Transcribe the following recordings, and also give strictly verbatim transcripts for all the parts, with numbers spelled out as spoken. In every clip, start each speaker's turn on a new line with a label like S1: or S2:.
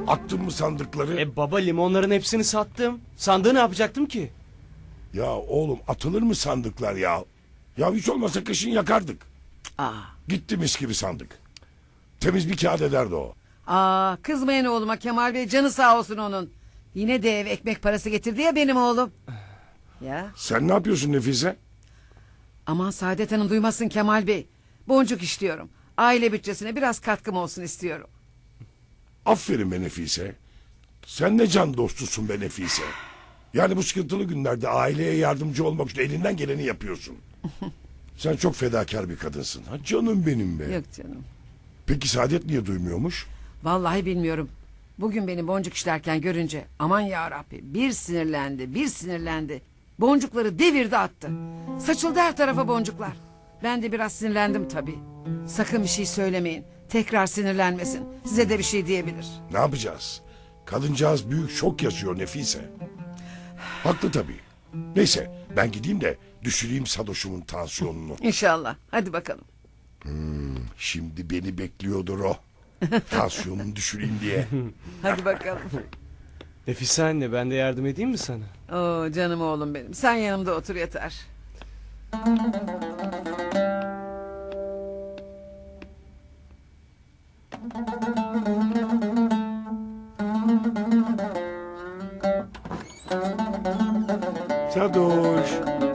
S1: Attın mı sandıkları?
S2: E baba, limonların hepsini sattım. Sandığı ne yapacaktım ki?
S1: Ya oğlum, atılır mı sandıklar ya? Ya hiç olmasa kışın yakardık.
S3: Aa,
S1: Gitti mis gibi sandık. Temiz bir kağıt ederdi o.
S3: aa, kızmayın oğluma Kemal Bey, canı sağ olsun onun. Yine de ev ekmek parası getirdi ya benim oğlum. Ya
S1: Sen ne yapıyorsun Nefise?
S3: aman Saadet Hanım duymasın Kemal Bey. Boncuk işliyorum. Aile bütçesine biraz katkım olsun istiyorum.
S1: Aferin be Nefise. Sen ne can dostusun be Nefise. Yani bu sıkıntılı günlerde aileye yardımcı olmak için elinden geleni yapıyorsun. Sen çok fedakar bir kadınsın. Ha canım benim be.
S3: Yok canım.
S1: Peki Saadet niye duymuyormuş?
S3: Vallahi bilmiyorum. Bugün beni boncuk işlerken görünce aman ya Rabbi bir sinirlendi bir sinirlendi. Boncukları devirdi attı. Saçıldı her tarafa boncuklar. Ben de biraz sinirlendim tabii. Sakın bir şey söylemeyin. Tekrar sinirlenmesin. Size de bir şey diyebilir.
S1: Ne yapacağız? Kadıncağız büyük şok yaşıyor Nefise. Haklı tabii. Neyse ben gideyim de düşüreyim Sadoş'umun tansiyonunu.
S3: İnşallah. Hadi bakalım.
S1: Şimdi beni bekliyordur o. Tansiyonunu düşüreyim diye.
S3: Hadi bakalım.
S2: Nefise anne, ben de yardım edeyim mi sana?
S3: Oo canım oğlum benim. Sen yanımda otur yeter.
S1: Sadoş.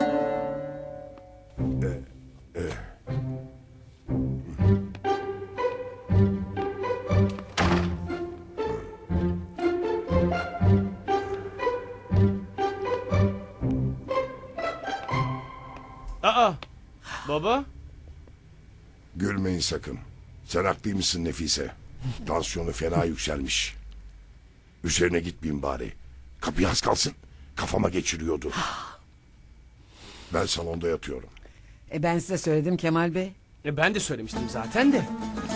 S2: Aa, baba.
S1: Gülmeyin sakın. Sen haklıymışsın Nefise. Tansiyonu fena yükselmiş. Üzerine gitmeyeyim bari. Kapıyı az kalsın. Kafama geçiriyordu. Ben salonda yatıyorum.
S3: E ben size söyledim Kemal Bey.
S2: E ben de söylemiştim zaten de.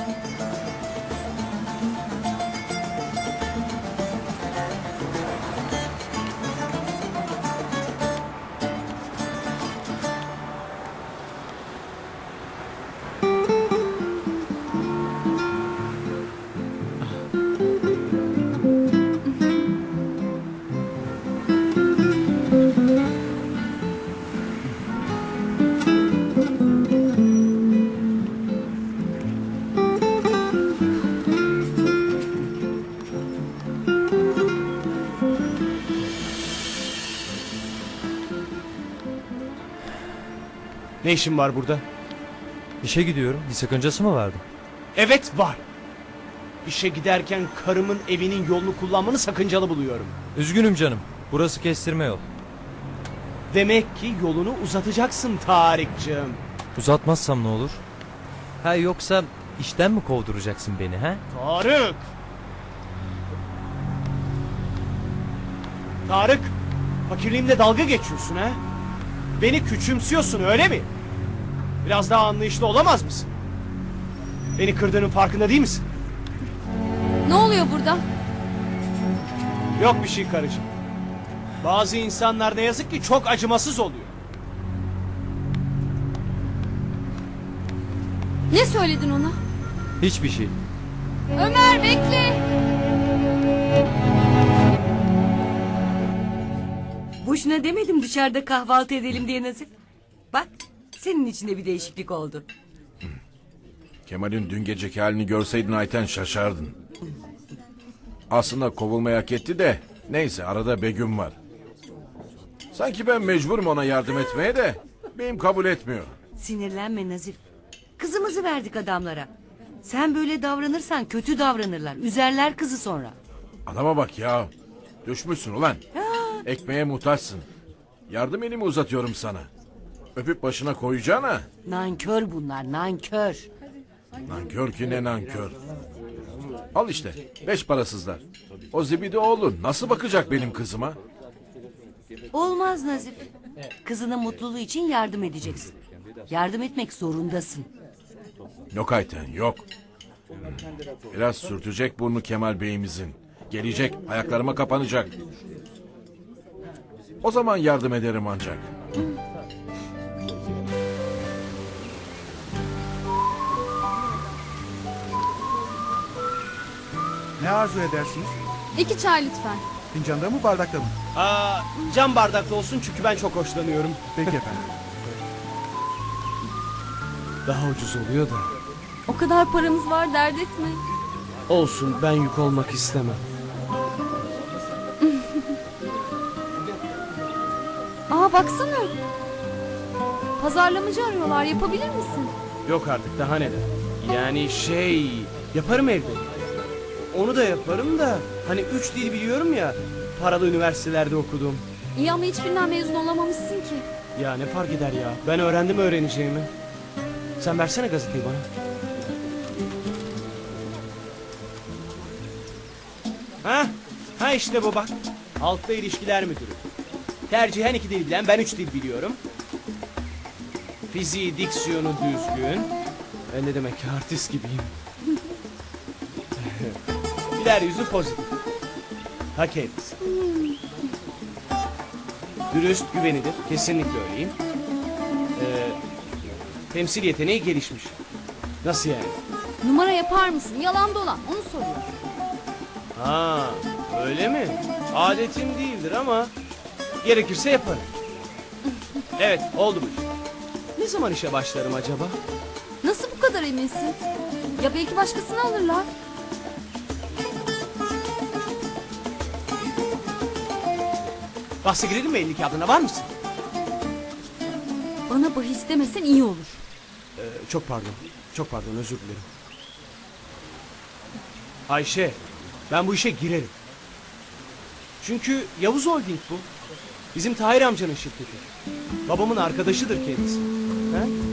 S2: Ne işin var burada?
S4: İşe gidiyorum. Bir sakıncası mı vardı?
S2: Evet, var. İşe giderken karımın evinin yolunu kullanmanı sakıncalı buluyorum.
S4: Üzgünüm canım. Burası kestirme yol.
S2: Demek ki yolunu uzatacaksın Tarık'cığım.
S4: Uzatmazsam ne olur? Ha yoksa işten mi kovduracaksın beni ha?
S2: Tarık! Tarık! Fakirliğimle dalga geçiyorsun ha? Beni küçümsüyorsun öyle mi? Biraz daha anlayışlı olamaz mısın? Beni kırdığının farkında değil misin?
S5: Ne oluyor burada?
S2: Yok bir şey karıcığım. Bazı insanlar ne yazık ki çok acımasız oluyor.
S5: Ne söyledin ona?
S4: Hiçbir şey.
S5: Ömer bekle.
S6: Boşuna demedim dışarıda kahvaltı edelim diye Nazif. Bak senin içinde bir değişiklik oldu.
S7: Kemal'in dün geceki halini görseydin Ayten şaşardın. Aslında kovulmayı hak etti de neyse arada Begüm var. Sanki ben mecburum ona yardım etmeye de benim kabul etmiyor.
S6: Sinirlenme Nazif. Kızımızı verdik adamlara. Sen böyle davranırsan kötü davranırlar. Üzerler kızı sonra.
S7: Adama bak ya. Düşmüşsün ulan. Ekmeğe muhtaçsın. Yardım elimi uzatıyorum sana. Öpüp başına koyacağına.
S6: Nankör bunlar nankör.
S7: Nankör ki ne nankör. Al işte beş parasızlar. O zibidi oğlu nasıl bakacak benim kızıma?
S6: Olmaz Nazif. Kızının mutluluğu için yardım edeceksin. Yardım etmek zorundasın.
S7: Yok Ayten yok. Biraz sürtecek burnu Kemal Bey'imizin. Gelecek ayaklarıma kapanacak. O zaman yardım ederim ancak.
S8: Ne arzu edersiniz?
S5: İki çay lütfen.
S8: Fincanda mı bardakta mı?
S2: Aa, cam bardaklı olsun çünkü ben çok hoşlanıyorum.
S8: Peki efendim.
S2: Daha ucuz oluyor da.
S5: O kadar paramız var, dert etme.
S2: Olsun, ben yük olmak istemem.
S5: Aa baksana. Pazarlamacı arıyorlar, yapabilir misin?
S2: Yok artık, daha neler. Yani şey, yaparım evde. Onu da yaparım da, hani üç dil biliyorum ya, paralı üniversitelerde okudum.
S5: İyi ama hiçbirinden mezun olamamışsın ki.
S2: Ya ne fark eder ya, ben öğrendim öğreneceğimi. Sen versene gazeteyi bana. Ha? Ha işte bu bak. Halkla ilişkiler müdürü. Tercihen iki dil bilen, ben üç dil biliyorum. Fiziği, diksiyonu düzgün. Ben ne demek ki artist gibiyim. Güler yüzü pozitif. Ha kendisi. Dürüst, güvenilir. Kesinlikle öyleyim. Ee, temsil yeteneği gelişmiş. Nasıl yani?
S5: Numara yapar mısın? Yalan dolan, onu soruyor.
S2: Ha, öyle mi? Adetim değildir ama gerekirse yaparım. Evet, oldu bu iş. Ne zaman işe başlarım acaba?
S5: Nasıl bu kadar eminsin? Ya belki başkasını alırlar.
S2: Bahse girelim mi elli kağıdına, var mısın?
S5: Bana bahis demesen iyi olur.
S2: Ee, çok pardon, çok pardon, özür dilerim. Ayşe, ben bu işe girerim. Çünkü Yavuz Holding bu. Bizim Tahir amcanın şirketi. Babamın arkadaşıdır kendisi. Ha?